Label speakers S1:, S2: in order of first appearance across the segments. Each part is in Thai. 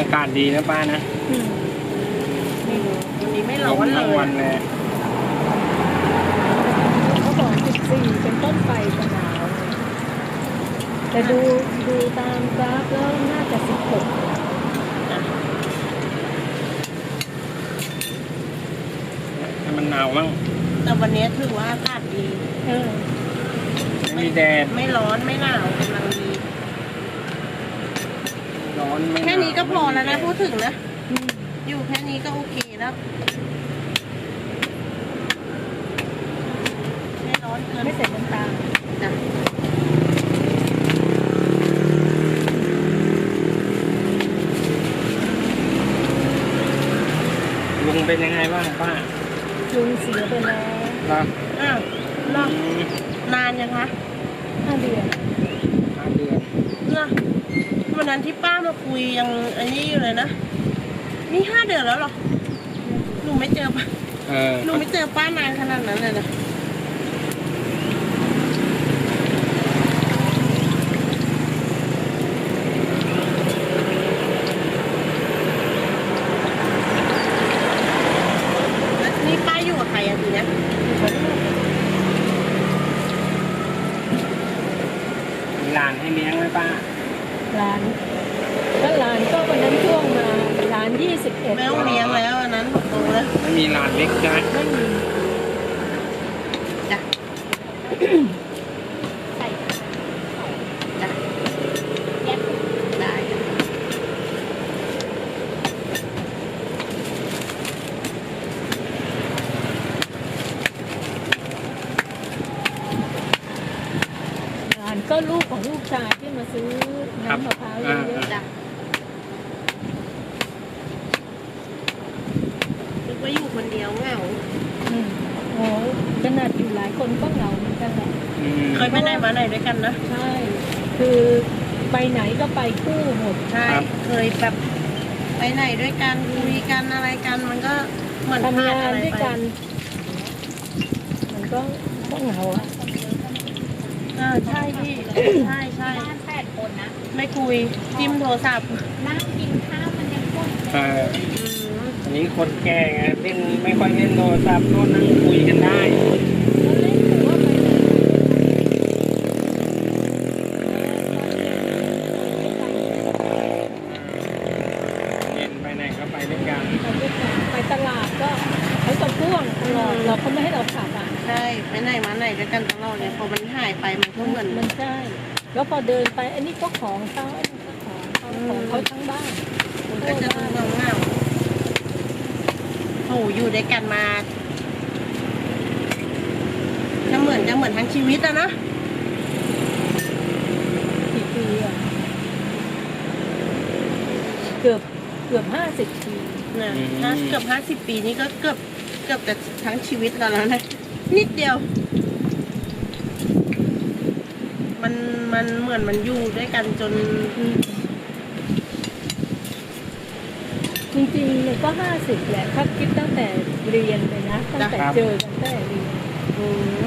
S1: ากาศดีนะป้านะ
S2: ไม่รู้วันนี้ไม่ร้อน
S1: ทั้ง
S2: เล
S1: วั
S2: ย
S1: นเลย
S3: เขาบอก14เป็นต้นไปจะหนาวแต่ดูตามกราฟแล้วน่าจะ16
S1: ให้มันหนาวมั่ง
S2: แต่วันนี้ถือว่าอากาศดี
S1: ไม่มีแดด
S2: ไม่ร้อนไม่หนาวกำลังดี
S1: ร้อนไม่หาว
S2: แค่นี้ก็พอแล้วนะ
S1: ไม่มีดด
S2: พูดถึงนะ อยู่แค่นี้ก็โอเคแล้วไม่ร้อนเกิน
S3: ไม่ใส่น้ำตาล
S2: จ้ะ
S1: ลุงเป็นยังไงบ้างป้า
S3: ลุงเสียไปแล้ว
S1: เหรอ
S2: อ้าวรอบนานยังคะ
S3: 5 เดือน
S1: 5 เดือน
S2: เนาะวันนั้นที่ป้ามาคุยยังอันนี้อยู่เลยนะนี่5 เดือนแล้วเหรอหนูไม่เจอป้า หนูไม่เจอป้านานขนาดนั้นเลยนะแล้วนี่ป้าอยู่กับใครอะทีเนี้ย
S1: มีหลานให้เลี้ยงไหมป้า
S3: ร้านก็วันนั้นช่วงมาร้าน21
S2: ไม่ต้องเลี้ยงแล้วอันนั้นบอกตรงเลย
S1: ไม่มีหลานเล็กใช่ไหม
S3: ไม่มี
S2: จ้ะใส่จ้ะแยกได้จ้ะ
S3: ร้านก็ลูกของลูกชายที่มาซื้อน้ำมะพร้าวเยอะ
S2: จ้ะนึกว่าอยู่คนเดียวเหงา
S3: โอ้ขนาดอยู่หลายคนก็เหงาเหมือนกันแหละ
S2: เคยไปไหนมาไหนด้วยกันนะ
S3: ใช่ คือไปไหนก็ไปคู่หมด
S2: ใช่ เคยแบบไปไหนด้วยกันคุยกันอะไรกันมันก็เหมือน
S3: ทำ
S2: พลาด
S3: งาน
S2: อะไร
S3: ด้วย
S2: ไป
S3: กัน มันก็เหงาอ่ะ
S2: ใช่พี่ ใช่ใช่
S4: บ้าน8 คนนะ
S2: ไม่คุยจิ้มโทรศัพท์
S4: นั่งกินข้าวมันยังพูด
S1: อันนี้คนแก่ไงเล่นไม่ค่อยเล่นโทรศัพท์โน่นนั่งคุยกันได้
S3: แล้วเล่นหรือว่าไปไหน
S1: เย็นไปไหนก็ไปด้วยกัน
S3: ไปตลาดก็เขาจะพ่วงตลอดเราเขาไม่ให้เราขับอ่ะ
S2: ใช่ไปไหนมาไหนด้วยกันตลอดเลยพอมันหายไปมันก็เหมือน
S3: มันใช่ แล้วพอเดินไปอันนี้ก็ของเขาอันนี้ก็ของเขาทั้งบ้าน
S2: มันก็จะดูเงาโอ้อยู่ด้วยกันมาจะเหมือนทั้งชีวิตอะนะ
S3: กี่ปีอ่ะเกือบ50 ปี
S2: นะถ้าเกือบ50 ปีนี่ก็เกือบจะทั้งชีวิตเราแล้วนะนิดเดียว มันเหมือนมันอยู่ด้วยกันจน
S3: จริงๆมันก็50แหละถ้าคิดตั้งแต่เรียนเลยนะตั้งแต่เจอกันตั้งแต่เรียน
S2: อืม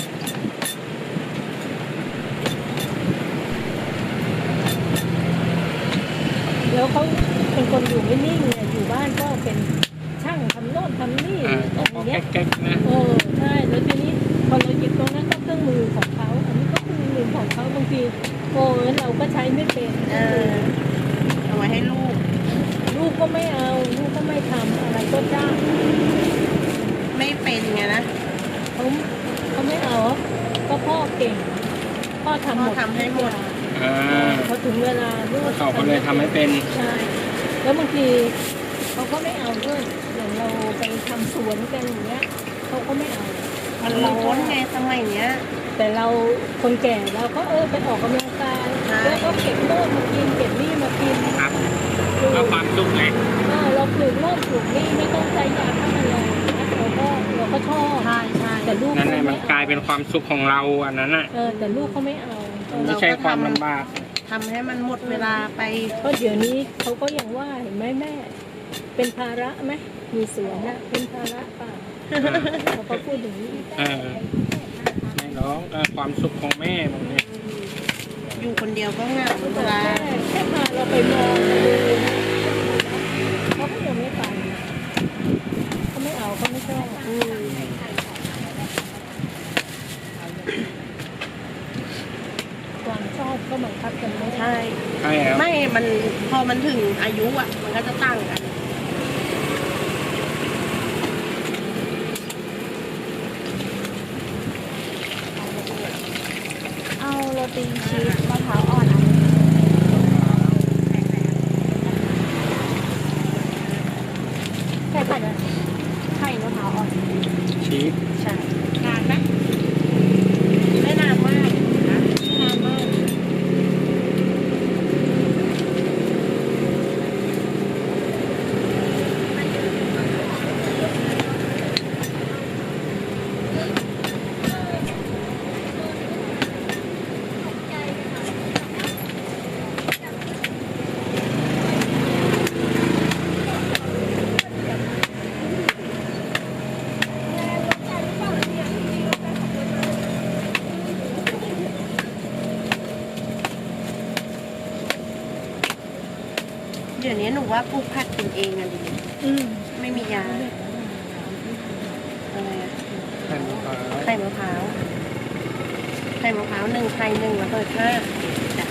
S3: แล้วเขาเป็นคนอยู่ไม่นิ่งเนี่ยอยู่บ้านก็เป็นช่างทำโน่นทำนี่
S1: ก็
S3: อะไรเงี้ย
S1: แก๊กๆนะ
S3: ใช่แล้วทีนี้พอเราหยิบตรงนั้นก็เครื่องมือของเขาอันนี้ก็เครื่องมือของเขาบางทีเราก็ใช้ไม่เป็น
S2: เอาไว้ให้ลูก
S3: ลูกก็ไม่เอาลูกก็ไม่ทำอะไรก็จ้าง
S2: ไม่เป็นไงนะ
S3: เขาไม่เอาก็พ่อเก่งพ่อทำหมด
S2: พ่อทำให้หมด
S3: พอถึงเวลาลูก
S1: เขาก็เลยทำให้เป็น
S3: ใช่แล้วบางทีเขาก็ไม่เอาด้วยอย่างเราไปทำสวนกันอย่างเงี้ยเขาก็ไม่เอา
S2: มันร้อนไงสมัยเนี้ย
S3: แต่เราคนแก่เราก็ไปออกกำลังกาย
S2: ใช่
S3: แล้วก็เก็บโน่นมากินเก็บนี่มากิน
S1: ครับเอาความสุขไง
S3: เราปลูกโน่นปลูกนี่ไม่ต้องใช้ยาฆ่าแมลงนะเราก็ชอบ
S2: ใช่ใช่
S3: แต่ลูก
S1: นั่นแหละ
S3: เขา
S1: มัน
S3: ไม่
S1: กลายเป็นความสุขของเราอันนั้นอ่ะ
S3: แต่ลูกเขาไม่เอา
S1: ไม่ใช่ความลำบาก
S2: ทำให้มันหมดเวลาไป
S3: เพราะเดี๋ยวนี้เขาก็ยังว่าเห็นไหมแม่ เป็นภาระไหมมีสวนนะเป็นภาระเปล่าเขาก็พูดอย่างนี้
S1: ไม่หรอกความสุขของแม่ตรงนี้
S2: อยู่คนเดียวก็เหงาเวลา
S3: แค่พาเราไปมองดูไม่ชอบ
S2: อืม
S3: ความชอบก็บังคับกันไม่ได้
S2: ใช่
S1: ใช่ครับ
S2: ไม่มันพอมันถึงอายุอ่ะ มันก็จะตั้งกัน
S4: เอาโรตีชีสมะพร้าวอ่อนอันนึงใช่ป่ะเนี่ยใช่มะพร้าวอ่อน
S1: ชีส
S2: ใช่นานไหมไม่นานมากนะไม่นานมาก เดี๋ยวนี้หนูว่าปลูกผักกินเองอะดี
S3: อืม
S2: ไม่มียาอะไรอะ
S1: ไข่มะพร้าว
S2: ไข่มะพร้าว1ไข่1แล้วก็5จ้ะ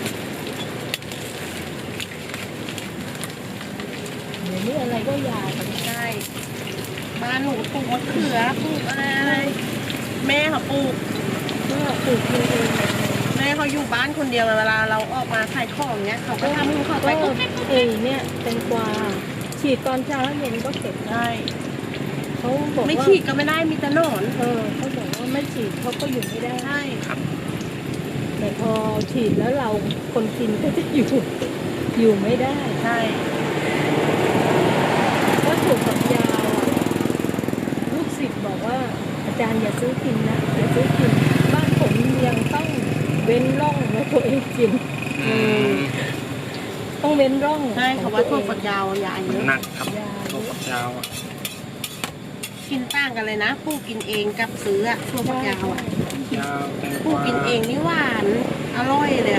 S3: เดี๋ยวนี้อะไรก็ยากัน
S2: ใช่บ้านหนูปลูกมะเขือปลูกอะไรแม่เขาปลูก
S3: ก็ปลูกกินเอง
S2: แม่เขาอยู่บ้านคนเดียวเวลาเราออกมาขายของเนี้ยเขาก็ทำของเขาไป
S3: ก็
S2: ก็แค่
S3: เอ้เนี่ยเป็นกวาฉีดตอนเช้าเย็นก็เก็บได้
S2: ได้
S3: เขาบอก
S2: ไม่
S3: ว่า
S2: ฉีดก็ไม่ได้มีแต่หนอน
S3: เขาบอกว่าไม่ฉีดเขาก็อยู่ไม่ได้
S2: ใช่
S3: แต่พอฉีดแล้วเราคนกินก็จะอยู่ไม่ได้
S2: ใช่
S3: ก็ถูกกับยาวอะลูกศิษย์บอกว่าอาจารย์อย่าซื้อกินนะอย่าซื้อกินบ้านผมยังต้องเว้นร่องไว้ตัวเองกิน
S1: อืม
S3: ต้องเว้นร่อง
S2: ใช่เขาว่าถั่วฝักยาวยาเยอะ
S1: หนักครับ
S3: ยา
S1: ตัวฝักยาวอ่ะ
S2: กินต่างกันเลยนะปลูกกินเองกับซื้ออะถั่วฝักยาวอะ
S1: ยาวแตง
S2: ป
S1: ก
S2: ลูก
S1: วา
S2: กินเองนี่หวานอร่อยเลยอะ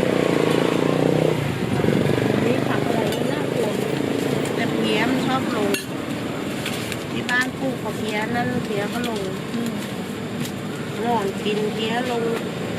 S3: มีผักอะไรน่ากลัว
S2: แต่เพี้ยมันชอบลงที่บ้านปลูกเขาเพี้ยนั่นเพี้ยก็ลง
S3: อืม
S2: หนอนกินเพี้ยลง